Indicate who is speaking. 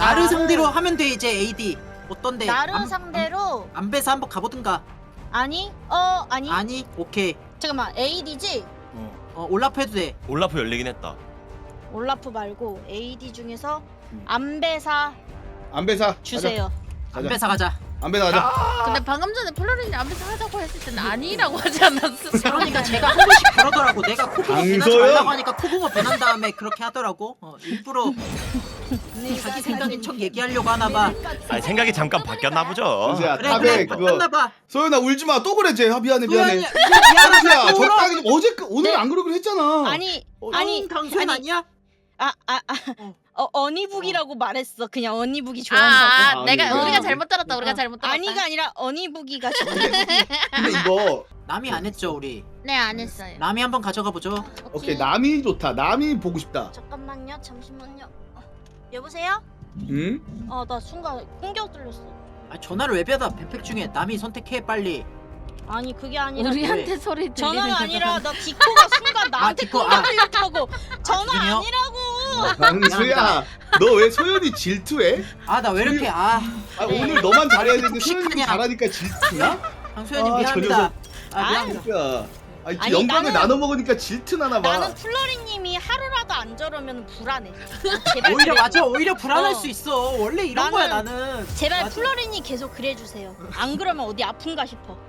Speaker 1: 나를 상대로 하면 돼 이제 AD. 어떤데?
Speaker 2: 나를 상대로
Speaker 1: 안배사 한번 가보든가.
Speaker 2: 아니 아니
Speaker 1: 아니 오케이.
Speaker 2: 잠깐만 AD지?
Speaker 1: 올라프 해도 돼.
Speaker 3: 올라프 열리긴 했다.
Speaker 2: 올라프 말고 AD 중에서 안배사
Speaker 4: 안배사
Speaker 2: 주세요.
Speaker 4: 가자.
Speaker 1: 안배사 가자.
Speaker 4: 안배사 가자.
Speaker 5: 근데 방금 전에 플로린이 앞에서 하자고 했을 때는 아니라고 하지 않았어?
Speaker 1: 그러니까 제가 한 번씩 그러더라고. 내가 코붕어 배나지
Speaker 4: 강소연?
Speaker 1: 말라고 하니까 코붕어 배난 다음에 그렇게 하더라고. 일부러 자기 생각인 척 얘기하려고 하나봐.
Speaker 3: 아니 생각이 잠깐 바뀌었나 보죠.
Speaker 4: 은수야
Speaker 1: 그래
Speaker 4: 탑에
Speaker 1: 그래
Speaker 4: 그거
Speaker 1: 바뀌었나봐.
Speaker 4: 소연아 울지마 또 그래 쟤 미안해 미안해.
Speaker 1: 소연이 미안하다.
Speaker 4: 은수야 적당히 좀 어제 오늘
Speaker 2: 네.
Speaker 4: 안 그러기로 했잖아.
Speaker 2: 아니 아니
Speaker 1: 강소연
Speaker 2: 아니.
Speaker 1: 아니야?
Speaker 2: 어니북이라고 말했어. 그냥 어니북이 좋아한다고.
Speaker 4: 아,
Speaker 5: 내가
Speaker 4: 아니,
Speaker 5: 우리가
Speaker 4: 아니.
Speaker 5: 잘못 들었다. 우리가 잘못 들었다.
Speaker 2: 아니가 아니라 어니북이가 좋아.
Speaker 4: 근데 이거
Speaker 1: 남이 안 했죠 우리.
Speaker 5: 네, 안 했어요.
Speaker 1: 남이 한번 가져가 보죠.
Speaker 4: 오케이 남이 좋다. 남이 보고 싶다.
Speaker 2: 잠깐만요. 잠시만요. 여보세요?
Speaker 4: 응?
Speaker 2: 나 순간 공격 들렸어.
Speaker 1: 전화를 왜 받아? 뱀팩 중에 남이 선택해 빨리.
Speaker 2: 아니 그게 아니라
Speaker 5: 우리한테 소리 들리는
Speaker 2: 전화가
Speaker 5: 거잖아.
Speaker 2: 아니라 나 디코가 순간 나한테
Speaker 1: 디코,
Speaker 2: 공격 들렸다고. 전화
Speaker 1: 죄송해요.
Speaker 2: 아니라고.
Speaker 4: 강수야 너 왜 소연이 질투해?
Speaker 1: 나 왜 이렇게
Speaker 2: 네.
Speaker 4: 오늘 너만 잘해야 되는데 소연이
Speaker 1: 독식하냐?
Speaker 4: 잘하니까 질투나?
Speaker 1: 강소연이
Speaker 4: 아, 저
Speaker 1: 미안합니다.
Speaker 4: 녀석.
Speaker 1: 미안합니다.
Speaker 4: 야,
Speaker 2: 아니,
Speaker 4: 영광을
Speaker 2: 나는-
Speaker 4: 나눠 먹으니까 질투나나 봐.
Speaker 2: 나는 플러리님이 하루라도 안 저러면 불안해. 제발
Speaker 1: 오히려
Speaker 2: 그래.
Speaker 1: 맞아. 오히려 불안할
Speaker 2: 어.
Speaker 1: 수 있어. 원래 이런
Speaker 2: 나는-
Speaker 1: 거야 나는.
Speaker 2: 제발
Speaker 1: 맞아.
Speaker 2: 플러리님 계속 그래주세요. 안 그러면 어디 아픈가 싶어.